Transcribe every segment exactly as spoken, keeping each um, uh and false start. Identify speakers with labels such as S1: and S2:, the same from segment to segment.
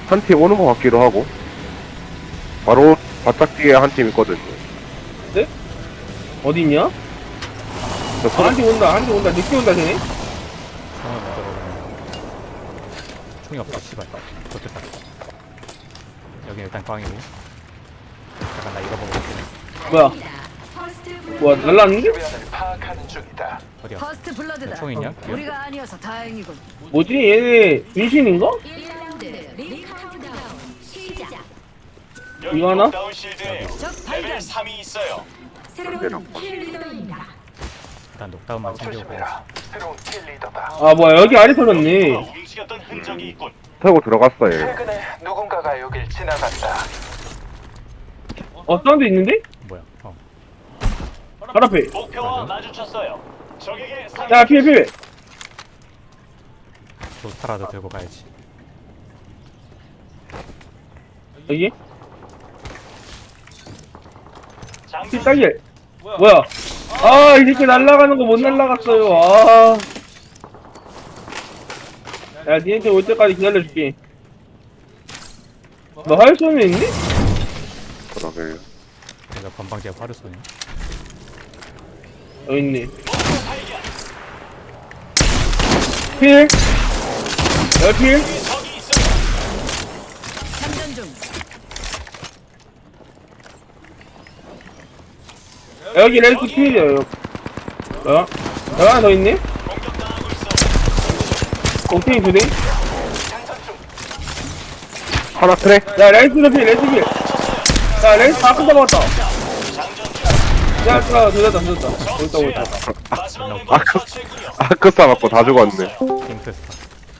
S1: 한 팀 오는 것 같기도 하고. 바로 바짝 뒤에 한 팀 있거든요.
S2: 네? 어디 있냐?
S1: 저
S2: 아,
S1: 서로
S2: 한 팀 온다, 한 팀 온다. 늦게 온다, 쟤네?
S3: 상황 못 들어오네. 총이 없다, 씨발. 좋겠다. 여기 일단 꽝이고. 잠깐 나 이거 보고 올게.
S2: 뭐야? 뭐야, 날라왔는데?
S4: 주변을 파악하는 중이다.
S3: 어디야?
S5: 퍼스트 블러드다.
S3: 총 있냐?
S5: 우리가 아니어서 다행이군.
S2: 뭐지? 얘네 분신인가?
S5: 일 라운드 링 카운트다운 시작.
S2: 이거 하나?
S4: 다운 실드에
S5: 적 발견.
S4: 삼이 있어요.
S5: 새로운 킬 리더입니다.
S3: 일단 녹다운만 챙겨오고.
S4: 조심해라. 새로운 킬 리더다.
S2: 아, 뭐야, 여기 아래 터졌네.
S4: 움직였던 흔적이 있군.
S1: 타고 들어갔어요.
S4: 최근에 누군가가 여길 지나갔다.
S2: 어, 사운드 있는데?
S3: 뭐야? 어.
S2: 바로 앞에.
S4: 목표와 마주쳤어요. 적에게 상.
S2: 야, 피해, 피해.
S3: 로스타라도 들고 가야지.
S2: 여기? 피 딸기. 뭐야? 아, 이 새끼 날아가는 거 못 날아갔어요. 아. 야, 니한테 올 때까지 기다려줄게. 너 화열 쏘면 있니?
S1: 그러게요.
S3: 내가 건방지게 화를 쏘네.
S2: 여기 있네. 필. 여기 필.
S5: 장전 중.
S2: 여기 렌스 필이야, 여기. 어? 여기 하나 더 있네? 옥테인 두 대?
S1: 하나 트랙?
S2: 야, 렌스도 필, 렌스 필. 야, 렌스 다 끝다 먹었다. 야, 야, 늦었다, 늦었다. 옳다, 옳다.
S1: 아크, 아크사 맞고 다 죽었네.
S3: 핑크스타.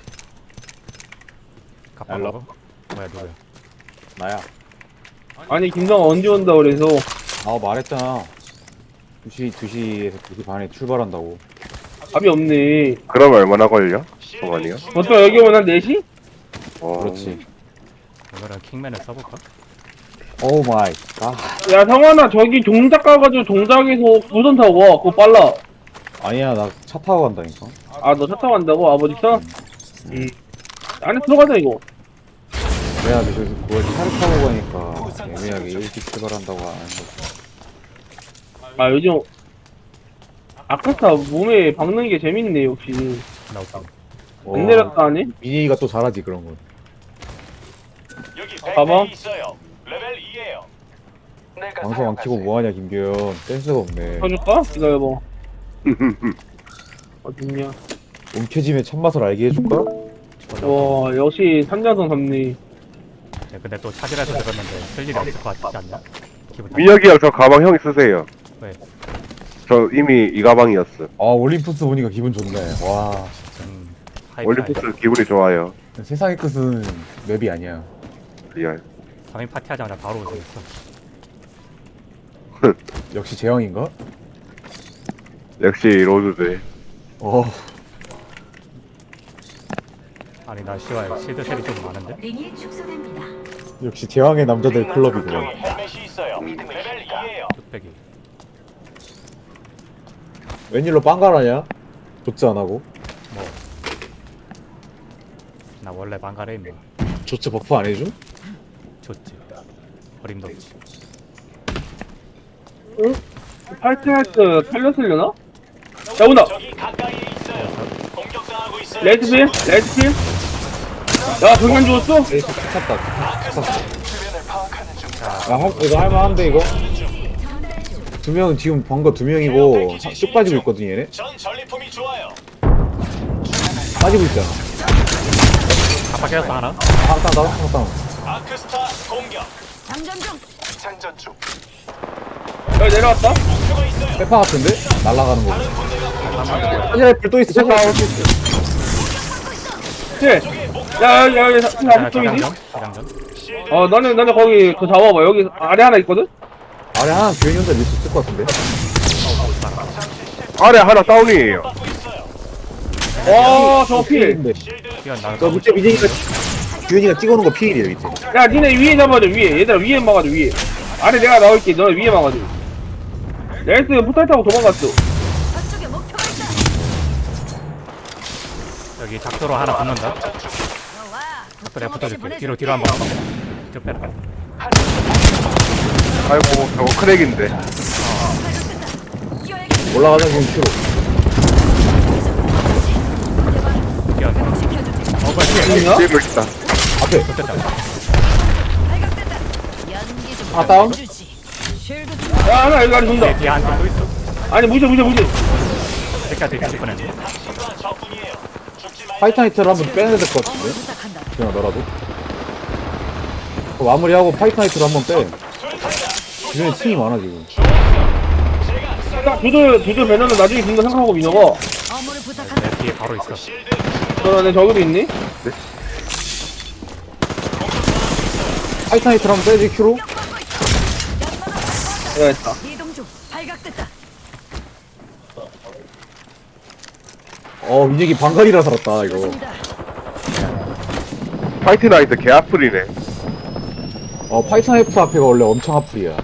S3: 갑바라고? 뭐야, 누구야?
S6: 나야.
S2: 아니, 김성아 언제 온다 그래서.
S6: 아 말했잖아. 두 시, 두 시에서 두 시 반에 출발한다고.
S2: 답이 없네.
S1: 그럼 얼마나 걸려? 동안이요?
S2: 보통 여기 오면 한 네 시?
S1: 어,
S6: 그렇지.
S3: 오늘은 킹맨을 써볼까?
S6: 오 마이 갓.
S2: 야, 성환아, 저기 종작 가가지고 종작에서 우선 타고 와. 그거 빨라.
S6: 아니야, 나 차 타고 간다니까.
S2: 아, 너 차 타고 간다고? 아버지 차? 응. 안에 들어가자, 이거.
S6: 내가 그래서 그걸 차를 타고 가니까 애매하게 일찍 출발한다고 하는 거지.
S2: 아, 요즘. 아카스타 몸에 박는 게 재밌네, 역시.
S3: 나 없어.
S2: 안 내렸다, 하네?
S6: 민희가 또 잘하지 그런 건.
S4: 여기
S2: 봐봐.
S4: 백팩이 있어요. 레벨 이에요. 내가
S6: 방송 안 키고 뭐하냐 김규현. 센스가 없네.
S2: 켜줄까? 기다려봐. 어딨냐.
S6: 움켜짐의 참맛을 알게 해줄까?
S2: 와, 역시 산자성 잡네.
S3: 야, 근데 또 차지라서 들었는데 쓸 일이 없을 것 같지 않냐? 기분 탓.
S1: 민혁이 형 저 가방 형이 쓰세요.
S3: 왜?
S1: 저 이미 이 가방이었어.
S6: 아 올림푸스 보니까 기분 좋네. 와
S3: 음, 하이프
S1: 올림푸스 기분이 좋아요.
S6: 세상의 끝은 맵이 아니야.
S1: 리얼.
S3: 삼 인 파티 하자마자 바로 오셨어.
S6: 역시 재영인가?
S1: 역시 로드들.
S6: 어.
S3: 아니 나 씨발 실드 셀이 좀 많은데?
S5: 링이 축소됩니다.
S6: 역시 제왕의 남자들 클럽이구나.
S4: 저기 헬멧이 있어요. 레벨 이에요.
S3: 뚝배기.
S6: 웬일로 빵가라냐? 조치 안 하고.
S3: 뭐. 나 원래 망가래 임마.
S6: 조치 버프 안 해줌?
S3: 좋지. 어림도 없지.
S2: 응? 팔트할때 탈렸으려나? 야, 온다!
S4: 저기 가까이에 있어요. 공격당하고 있어요.
S2: 레드필? 레드필? 야, 병현 죽었어?
S6: 에이 찼다.
S4: 아크스타 주변을 파악하는 중이다.
S6: 야 할, 이거 할만한데 이거? 두 명은 지금 번거 두 명이고 하- 쭉 빠지고 있거든 얘네?
S4: 전 전리품이 좋아요.
S6: 빠지고 있잖아.
S3: 갑바 깨졌어 하나?
S6: 땅땅 땅땅 땅.
S4: 아크스타 공격.
S5: 장전 중.
S4: 장전 중.
S2: 여기 내려왔다?
S4: 목표가 있어요.
S6: 페파 같은데? 날아가는 거. 차지라이플 또 있어. 차지라이플 또 있어.
S2: 네. 야, 야, 야, 야,
S3: 야,
S2: 사 쪽이지?
S3: 자장전? 자장전?
S2: 어, 너네, 너네 거기, 그 잡아봐. 여기 아래 하나 있거든?
S6: 아래 하나 규현이 혼자 밀수 있을 것 같은데?
S1: 아래 하나 다운이에요.
S4: 받고 있어요.
S2: 와, 저거 필.
S6: 필인데.
S3: 뛰어 나가.
S6: 저 밑에 미진이가 규현이가 찍어놓은 거 필이야 밑에.
S2: 야, 니네 위에 잡아줘, 위에. 얘들아, 위에 막아줘, 위에. 아래 내가 나올게. 너네 위에 막아줘. 레이스 포탈 타고 도망갔어.
S5: 저쪽에 목표가 있다.
S3: 여기 작도로 하나 붙는다.
S5: 들어와.
S3: 붙어 내가 붙어줄게. 뒤로 뒤로 한번 가봐. 좀 빼라.
S1: 아이고 저거 크랙인데.
S5: 뛰어야겠어.
S6: 올라가자 지금 큐로.
S3: 뛰어서.
S5: 시켜주지.
S3: 어 뭐야 뒤에.
S2: 아니야?
S1: 뒤에 있다.
S6: 앞에.
S3: 좋겠다.
S5: 발각됐다. 연기 좀.
S6: 아, 다운?
S5: 주지. 쉴드 좀.
S2: 야 하나 여기 안에 돈다.
S3: 뒤에 한팀 또 있어.
S2: 아니 무시 무시 무시.
S3: 여기까지 뒤질 뻔했네.
S4: 당신과 적군이에요. 죽지 말고
S6: 파이터나이트를 한번 빼야 될 것
S5: 어머
S6: 같은데.
S5: 부탁한다.
S6: 그냥 너라도. 그거 마무리하고 파이터나이트를 한번 빼. 주변에 팀이 많아 지금.
S2: 딱 두들 두들 배너는 나중에 준다 생각하고 민호가.
S5: 어머를 부탁한다.
S3: 내 뒤에 바로 있어.
S4: 실드
S2: 너네 저기도 있니?
S6: 파이터나이트를 한번 빼지 큐로.
S2: 내가 했다.
S5: 이동 중. 발각됐다.
S6: 어 민혁이 방갈이라 살았다 이거.
S5: 좋습니다.
S1: 파이트 나이트 개 아플이네.
S6: 어 파이터나이트 앞에가 원래 엄청 아플이야.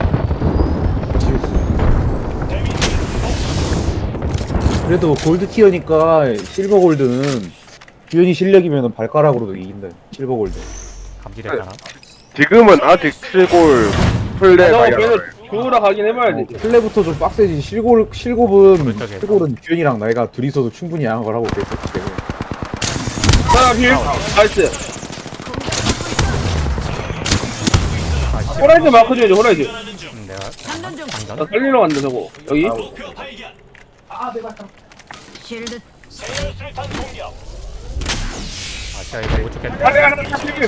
S6: 그래도 골드 티어니까 실버 골드는 규현이 실력이면 발가락으로도 이긴다. 실버 골드.
S3: 감지됐잖아.
S1: 지금은 아직 칠골 플레이가
S2: 너
S1: 안
S2: 배너
S1: 나와요.
S2: 주우러 가긴 해봐야 돼.
S6: 플레부터 좀 빡세지. 실골 실골은
S3: 그쪽에.
S6: 실골은 규현이랑 나이가 둘이서도 충분히 양한 걸 하고 그랬었기 때문에.
S2: 하나 필. 나이스.
S3: 아 씨.
S2: 호라이즈 마크 줘야지 호라이즈.
S3: 음, 내가
S5: 장전 중.
S2: 나
S3: 장전.
S2: 살리러 간다 저거. 여기.
S4: 목표 발견.
S5: 쉴드.
S4: 세열 수류탄 공격.
S3: 아시아 이거 못 죽겠네.
S2: 아래 하나 다 필.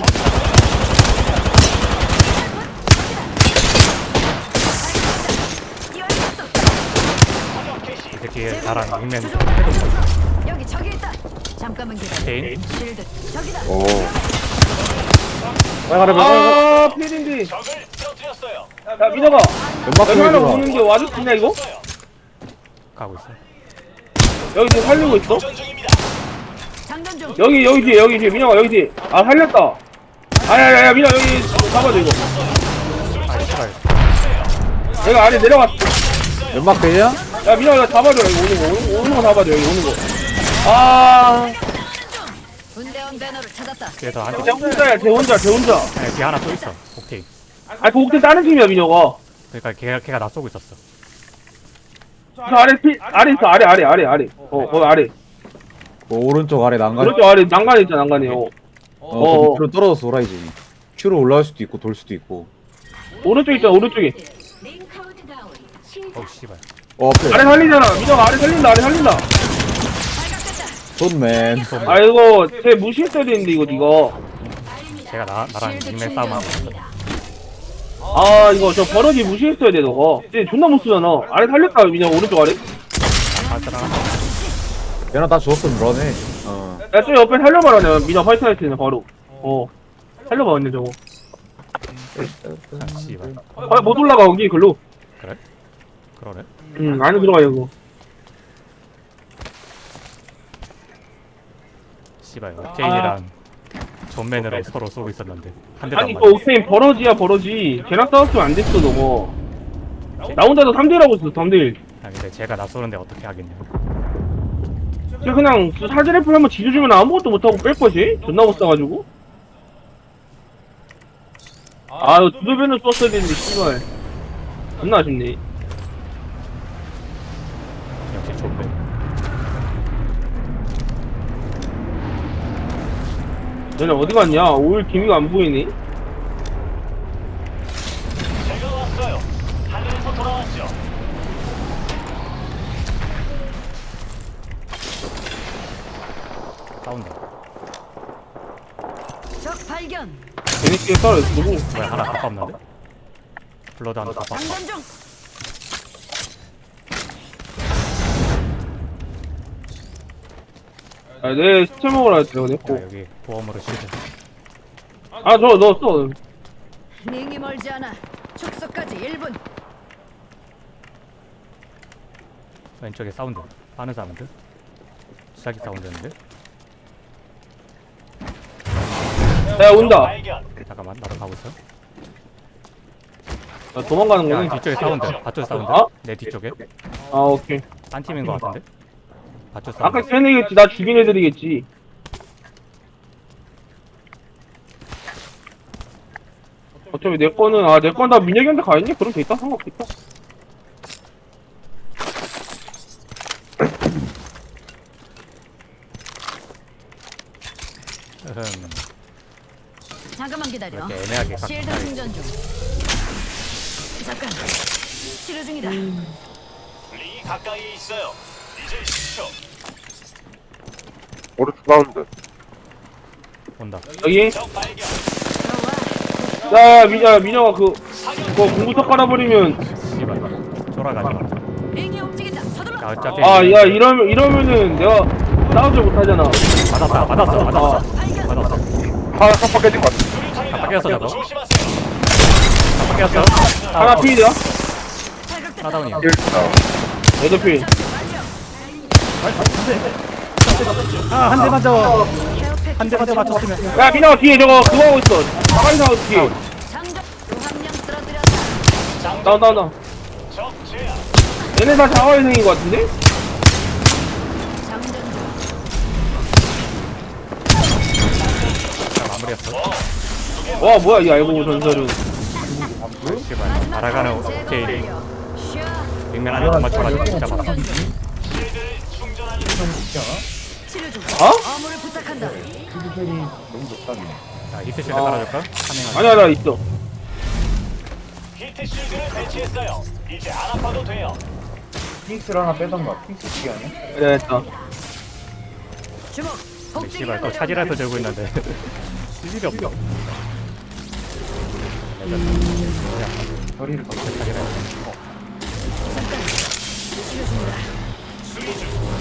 S5: 뛰어야겠어.
S4: 사격 개시.
S3: 이 새끼의 나랑 윙맨
S5: 조종.
S3: 해도 못
S5: 여기 저기 있다. 잠깐만 기다려.
S3: 개인.
S5: 쉴드. 저기다.
S1: 오.
S6: 빨가래 빨가래.
S2: 아 필인데.
S4: 적을 쓰러뜨렸어요.
S2: 야 민호가.
S6: 연막
S2: 여기 하나
S6: 좀
S2: 오는데 와줄 수 있냐 이거?
S3: 가고 있어.
S2: 여기 지금 살리고 있어?
S4: 전 중입니다.
S5: 장전 중.
S2: 여기 여기 뒤에 여기 뒤에 민호가 여기 뒤에. 아 살렸다. 아야야야 민호 여기 잡아줘 이거.
S3: 아 씨발.
S2: 내가 아래 내려갔어.
S6: 연막 되냐?
S2: 야 민호 이거 잡아줘 여기 오는 거 오는, 거, 오는 거 잡아줘 여기 오는 거. 아.
S5: 군대원 배너를 찾았다.
S3: 뒤에서 한
S2: 쟤 혼자야 쟤 혼자 쟤 혼자.
S3: 아니, 뒤에 하나 또 있어. 오케이.
S2: 아그 옥대 다른 팀이야 민호가.
S3: 그러니까 걔가 걔가 나 쏘고 있었어.
S2: 저 아래 피 아래 있어 아래 아래 아래 아래. 어 거기 아래.
S6: 그 오른쪽 아래 난간.
S2: 그렇죠 아래 난간에 있잖아 난간에. 어.
S6: 어,
S2: 어.
S6: 그 밑으로 떨어져서 돌아야지. 큐로 올라갈 수도 있고 돌 수도 있고.
S2: 오른쪽 있잖아 오른쪽에.
S3: 어우 씨발.
S6: 어 앞에.
S2: 아래 살리잖아 민호가 아래 살린다 아래 살린다.
S5: 발각됐다.
S6: 존맨.
S2: 아 이거 쟤 무시했어야 되는데 이거 니가.
S3: 걔가 나 나랑 윙맨 싸움하고 있어.
S2: 아 이거 저 버러지 무시했어야 돼 너가. 쟤 존나 못 쓰잖아. 아래 살렸다 민호 오른쪽 아래.
S3: 아 따라.
S6: 얘나 다 죽었으면 러네. 어.
S2: 야 저 옆에 살려봐라 내가 민호 파이터나이트는 바로. 어. 살려봐 언니 저거.
S3: 아 씨발.
S2: 아 못 올라가 거기 글로.
S3: 그래? 그러네.
S2: 응 안에 들어가 이거.
S3: 씨발. 옥테인이랑 존맨으로 서로 쏘고 있었는데 한 대도 안
S2: 아니
S3: 맞아.
S2: 이거 옥테인 버러지야 버러지. 걔랑 싸웠으면 안 됐어 너가. 나 혼자도 삼 대라고 있어 삼 대 일.
S3: 아 근데 제가 나 쏘는데 어떻게 하겠냐.
S2: 쟤 그냥 사제래플 한번 지져주면 아무것도 못하고 뺄 거지? 존나 못 싸가지고. 아 이거 두들배는 썼어야 되는데 씨발. 존나 아쉽네.
S3: 역시 존맨.
S2: 너네 어디 갔냐? 오일 기미가 안 보이니?
S4: 제가 왔어요. 하늘에서 돌아왔죠.
S3: 싸운다.
S5: 적 발견.
S2: 재밌게 싸워 누구?
S3: 뭐야 하나 가깝는데? 블러드 하나 가깝.
S5: 장전 중.
S2: 아, 내 스체 먹으라 했지, 내가
S3: 야,
S2: 냈고.
S3: 여기 보험으로 실드.
S2: 아, 저 넣었어.
S5: 링이 멀지 않아. 축소까지 일 분.
S3: 왼쪽에 사운드. 빠는 사운드. 수사기 사운드였는데?
S2: 야, 온다.
S4: 발견.
S3: 잠깐만 나도 가고 있어.
S2: 야, 도망가는
S3: 야
S2: 거네.
S3: 뒤쪽에 사운드. 밧줄 사운드.
S2: 어?
S3: 내 뒤쪽에.
S2: 아, 오케이.
S3: 딴 팀인 것 같은데? 밧줄 사운드.
S2: 아까 쟤네겠지. 나 죽인 애들이겠지. 어차피 내 거는, 아, 내 건 다 민혁이한테 가있니? 그럼 됐다, 상관없겠다.
S3: 으흠.
S5: 잠깐만 기다려.
S3: 이렇게 애매하게 각
S5: 실드
S3: 자리.
S5: 충전 중. 잠깐. 치료 중이다.
S4: 링이 가까이에 있어요. 이제 십 초.
S1: 오른쪽 사운드.
S3: 온다.
S2: 여기.
S4: 적 발견.
S5: 들어와.
S2: 야, 민, 야, 민혁아, 그, 그거 공부터 깔아버리면.
S3: 씨발. 돌아가지 마.
S5: 링이 움직인다. 서둘러.
S3: 야, 어차피.
S2: 아, 야, 이러면, 이러면은 내가 싸우지 못하잖아.
S3: 맞았다. 맞았어. 맞았어.
S5: 발견.
S3: 맞았어.
S1: 하나 깜빡 깨진 것 같아.
S4: 수류탄이다.
S3: 깜빡이었어, 저거.
S4: 조심하세요.
S3: 깜빡이었어.
S2: 하나 필이야?
S5: 탈각됐다.
S3: 하다운이야.
S1: 일 다운.
S2: 여덟 필.
S5: 완료.
S3: 아, 한 대 맞아.
S5: 케어팩
S3: 한 대 맞아 맞췄으면.
S2: 야, 민혁아, 뒤에 저거, 그거 하고 있어. 가만히 서 뒤에.
S5: 장전. 또한명 쓰러뜨렸다.
S2: 다운, 다운, 다운.
S4: 적 제압.
S2: 얘네 다 자화회생인 것 같은데?
S5: 장전 중.
S3: 자, 마무리했어.
S2: 와, 뭐야, 이 알고 전설은.
S3: 씨발. 알아가는
S5: 제거
S3: 오케이.
S5: 완료. 쉬어.
S3: 빅맨 안에 못 맞춰가지고 진짜 막.
S5: 충전 중.
S4: 실드를 충전하는
S5: 치료 중.
S2: 어?
S5: 어물을 부탁한다.
S3: 자, 히트 실드
S2: 어.
S3: 깔아줄까? 한명만.
S2: 아니야, 나 있어.
S4: 히트 실드를 배치했어요. 이제 안 아파도 돼요.
S6: 핑크를 하나 빼던가. 핑크 기 아니야?
S2: 그래, 됐다.
S5: 주목.
S3: 근데
S5: 복제기가
S3: 씨발 또
S5: 내려온다.
S3: 차지라서 들고 있는데. 쓸일이 없어.
S6: 거리를 더
S3: 차지라.
S5: 잠깐. 치료 중이다.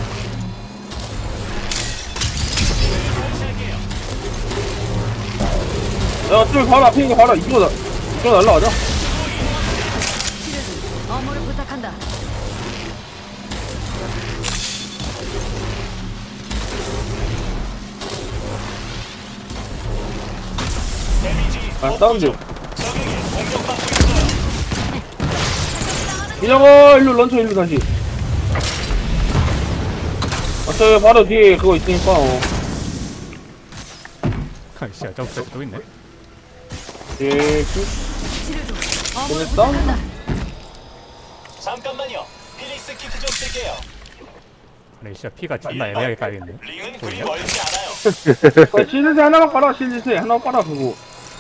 S2: 야, 좀 바로 앞에 있는 거 봐라. 이거, 나, 이거 날라가자.
S5: 치료 중. 어물을 부탁한다.
S4: 데미지
S2: 아, 사운드.
S4: 적에게 공격받고 있어요.
S2: 민혁아, 일로 런처 일로 다시. 아, 저 바로 뒤에 그거 있으니까, 어.
S3: 아이씨, 저거 또 있네.
S2: 예, 그,
S5: 치료 중. 어물을
S2: 보냈다?
S5: 부탁한다.
S4: 잠깐만요. 필릭스 키트 좀 쓸게요.
S3: 근데 진짜 피가 존나 애매하게 깔리네.
S4: 링은 그리
S3: 보이냐?
S4: 멀지 않아요.
S2: 그 실드세 하나만 깔아, 실드세. 하나 깔아, 그거.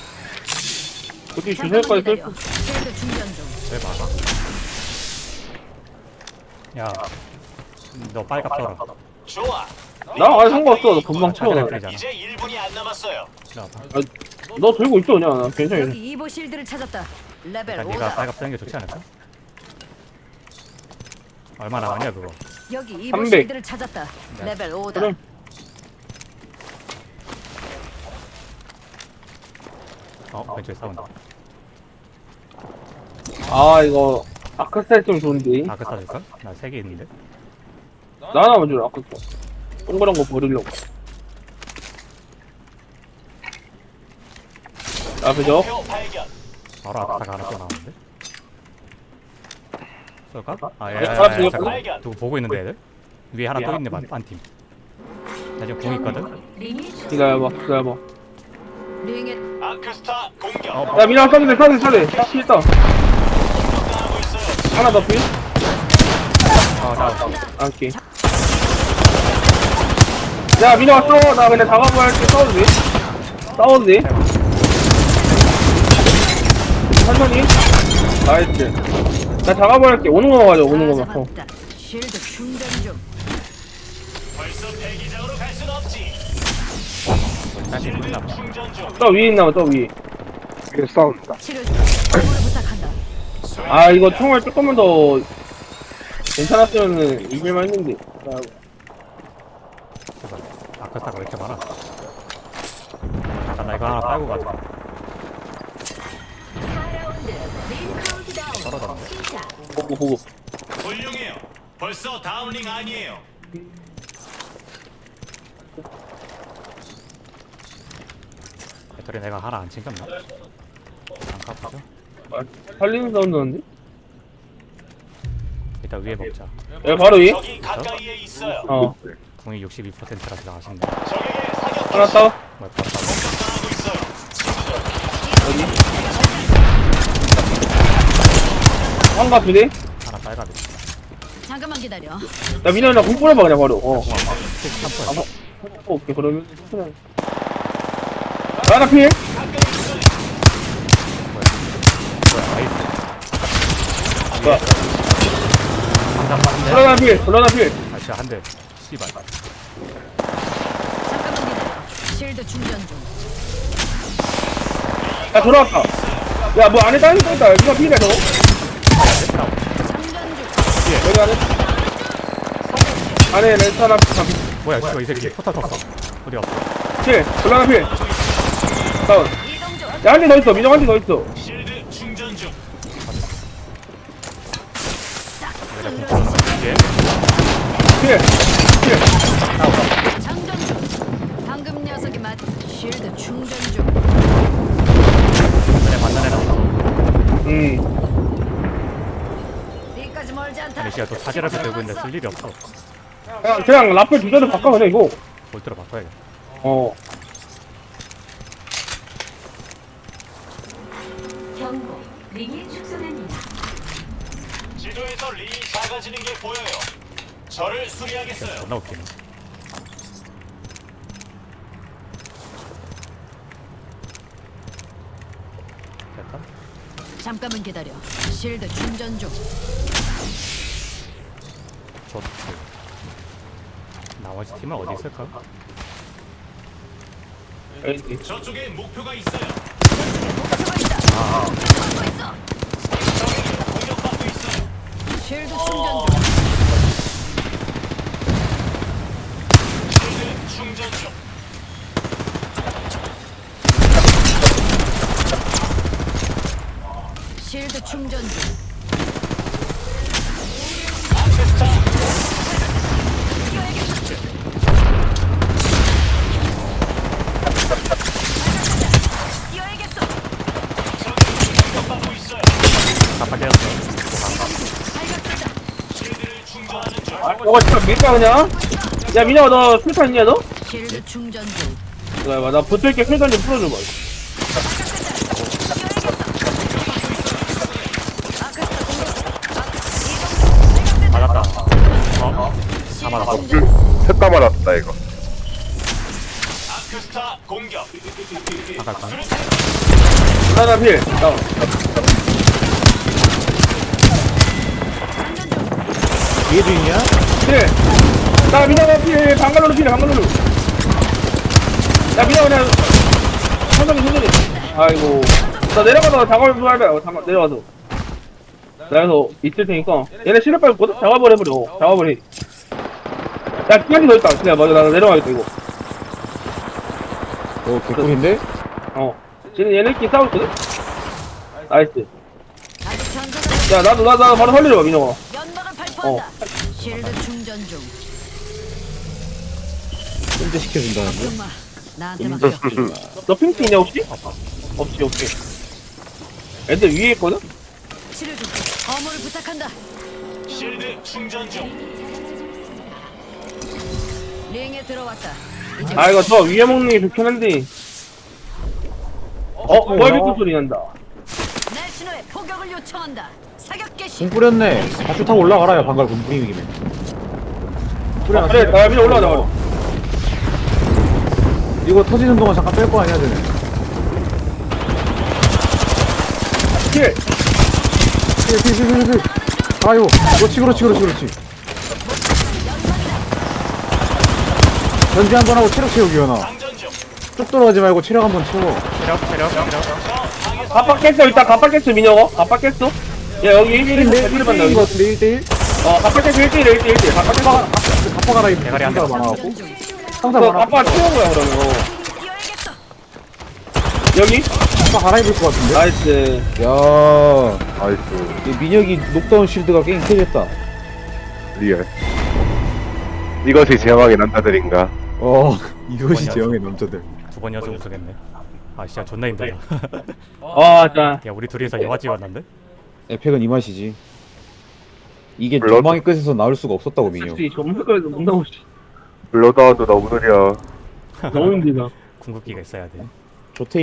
S2: 어디
S5: 잠깐만
S2: 주세까지
S5: 기다려.
S2: 쓸
S5: 실드 충전 중.
S3: 왜 막아? 야, 너 빨갑 써라.
S4: 좋아.
S2: 나, 아, 상관없어. 너 금방 쳐.
S3: 차지라 그러잖아.
S4: 이제 일 분이 안 남았어요.
S3: 나
S2: 아, 너 들고 있어, 그냥. 나 괜찮아.
S5: 여기 이보 실드를 찾았다. 레벨
S3: 일단 네가
S5: 오다.
S3: 빨갑 쓰는 게 좋지 않을까? 얼마 남았냐 그거?
S5: 여기 이보
S2: 삼백.
S5: 실드를 찾았다.
S3: 네.
S5: 레벨 오다.
S2: 그래.
S3: 어, 왼쪽에 싸운다.
S2: 아, 이거, 아크스타일 좀 좋은데.
S3: 다크 싸줄까? 나 세 개 있는데.
S2: 나 하나만 주라, 아크 동그란 거 버리려고. 앞에 저.
S4: 목표 발견.
S3: 바로 아크사가 하나 또 나오는데. 쏠까? 아, 야,
S2: 네,
S3: 야, 야,
S2: 알았어,
S3: 야,
S2: 이거
S3: 잠깐.
S4: 발견.
S3: 누구 보고 있는데 애들? 위에 하나 또 있네, 반, 반 팀. 나 지금 공 있거든?
S2: 기다려봐, 기다려봐.
S5: 링에
S4: 아크스타 공격.
S3: 어,
S2: 야, 미나 써도 돼, 써도 돼, 써도 돼. 딱 피했다.
S4: 공격당하고 있어요.
S2: 하나 더 피.
S3: 어, 나,
S2: 아, 오케이. 야, 미나 왔어. 나 그냥 다가고 할게. 싸워도 돼? 싸워도 돼? 천천히. 나이스. 나 다가고 할게. 오는 거만 가자, 오는
S5: 다
S2: 거만. 어.
S5: 잡았다. 실드 충전 중.
S4: 벌써 대기장으로 갈 순 없지.
S3: 다시
S4: 실드
S3: 끝나 봐.
S4: 충전 중.
S2: 저 위에 있나 봐, 저 위에.
S1: 위에 싸운다.
S5: 치료 중. 어물을 부탁한다.
S2: 아, 이거 총알 조금만 더 괜찮았으면은 이길만 했는데. 나
S3: 제발. 아크사가 왜 이렇게 많아? 잠깐, 나 이거 하나 빨고 가자. 떨어졌네.
S2: 보고, 보고.
S4: 훌륭해요. 벌써 다음 링 아니에요.
S3: 배터리 내가 하나 안 챙겼나? 안 까보죠?
S2: 아, 살리는 사운드 나는데?
S3: 일단 위에 먹자.
S2: 야, 바로 위에?
S4: 적이 가까이에 있어요.
S2: 어.
S3: 공이 육십이 퍼센트라서 아쉽네.
S4: 적에게 사격
S2: 하나
S4: 개시.
S2: 따.
S3: 뭐, 다
S4: 공격당하고 있어요.
S2: 어디? 한가 두 대?
S3: 하나 빨가게.
S5: 잠깐만 기다려.
S2: 야 민호야 나공 뿌려봐 그냥 바로 어
S3: 삼 퍼.
S2: 오케이 그러면 그냥 하나 필
S3: 뭐야 나이스.
S2: 뭐야
S3: 한장 맞네.
S2: 불러나 필 불러나 필
S3: 아 진짜 한 대. 씨발.
S5: 잠깐만 기다려. 실드 충전 중.
S2: 야 돌아왔다 야 뭐 안에 다른 거 있다 누가 필이야 저거
S3: 됐다.
S5: 충전 중.
S2: 여기 안에 안에 렌트 하나 필
S3: 뭐야 씨발 이 새끼 포탈 탔어. 어디 갔어?
S2: 불러나 필 다운
S5: 이동 중.
S2: 야 한 대 더 있어 민호 한 대 더 있어
S4: 실드 충전 중.
S3: 예.
S2: 필 필.
S5: 장전 중. 방금 녀석이 맞. 실드 충전 중.
S3: 그래 만난 애라.
S2: 음.
S5: 여기까지 멀지 않다.
S3: 아니 씨야 또 사제를 들고 있는데 쓸 일이 없어.
S2: 그냥, 그냥 라플 두 개를 바꿔 그냥 이거
S3: 볼트로 바꿔야겠다.
S2: 어
S7: 경고, 링이 축소됩니다.
S4: 지도에서 링이 작아지는 게 보여요. 저를 수리하겠어요.
S3: 존나 웃기네. 됐다.
S5: 잠깐만 기다려. 실드 충전 중.
S3: 좋다. 나머지 팀은 어디 있을까?
S2: 여기
S4: 저쪽에 목표가 있어요.
S5: 목표가 있다. 막고 있어.
S4: 적에게 공격받고 있어요.
S5: 실드 충전 중.
S4: 실드 충전 중.
S5: 실드 충전 중. 뛰어야겠어.
S4: 적에게 공격받고 있어요.
S3: 깜빡 깨졌어.
S5: 발각됐다.
S4: 실드를 충전하는 중.
S2: 아, 저거 진짜 밀까 그냥? 야 민호야 너 술탄 있냐 너?
S5: 실드 충전 중.
S2: 나, 나 붙을게 술탄 좀 풀어줘봐
S5: 아크스타 공격. 아, 이동 중. 발각됐다.
S3: 맞았다. 어? 다 맞았어.
S1: 셋다 맞았다 이거.
S4: 아크스타 공격.
S3: 잠깐.
S2: 하나 필 다운
S6: 이게 중이냐?
S2: 필나 민호가 필 방갈로로 필 방갈로로 야 민호 그냥 천천히 천천히 아이고 나 내려가서 작업을 좀 할래 어, 잠깐 내려가서 내려가서 있을 테니까 얘네 실력 빨고 작업을 해버려 작업을 해야 기한이 더 있다 그냥 맞아 나 내려가겠다 이거
S6: 어, 개꿀인데?
S2: 어 지금 얘네끼리 싸우고 있거든? 나이스
S5: 아직 전사자
S2: 야 나도 나도 나도 바로 살리려봐 민호가
S5: 연막을 발포한다. 실드 충전 중.
S6: 꼰대 시켜준다는데?
S5: 엄마, 나한테 맡겨.
S2: 너 핑크 있냐 혹시? 없지 없지 애들 위에 있거든?
S5: 치료 중. 어물을 부탁한다.
S4: 실드 충전 중.
S5: 링에 들어왔다. 이제
S2: 아 이거 저 위에 먹는 게 좋긴 한데 어? 월비트 소리 난다
S5: 내 신호에 포격을 요청한다. 사격 개시.
S6: 공 뿌렸네. 다시 타고 올라가라요, 방갈 공 뿌리는 김에.
S2: 아, 그래 나 위로 올라가자 바로
S6: 이거 터지는 동안 잠깐 뺄 거 아니야, 쟤네.
S2: 킬!
S6: 필, 필, 필, 필, 필. 아이고, 그렇지, 그렇지, 그렇지, 그렇지. 전지 한 번 하고 체력 채우기, 연아.
S4: 장전 중.
S6: 쭉 돌아가지 말고 체력 한 번 채워.
S3: 체력 체력 체력.
S2: 갑박 깼어 일단 갑박 깼어 민혁어 갑박 깼어 야 여기 일 대 일
S6: 일
S2: 일
S6: 대
S2: 받나
S6: 일인
S2: 여기
S6: 것 같은데, 일 대 일?
S2: 어 갑박 깼어 일 대 일 일 대 일 갑박 깼어
S6: 갑바가라, 이
S3: 대가리 한
S6: 상자가
S3: 대.
S6: 많아갖고.
S5: 충전 중.
S6: 상자
S2: 그
S6: 많아.
S2: 갑박 채운 거야 그러면 어.
S5: 뛰어야겠어.
S2: 여기?
S6: 갑바 갈아입을 것 같은데?
S2: 나이스
S6: 야,
S1: 나이스.
S6: 이 민혁이 녹다운 실드가 게임 캐졌다.
S1: 리얼. 이것이 제왕의 남자들인가?
S6: 어, 이것이
S3: 뭐냐.
S6: 제형의 남자들.
S3: 두 번 연속 우승했네. 아 진짜 존나 힘들다.
S2: 아자
S3: 야 우리 둘이서 영화 찍었는데?
S6: 에펙은 이 맛이지. 이게
S1: 블러드.
S6: 전망의 끝에서 나올 수가 없었다고, 민혁.
S2: 역시 전문가에서 못 나오지
S1: 블러드아웃도 너무 느려.
S2: 너무 힘들다
S3: 궁극기가 있어야 돼.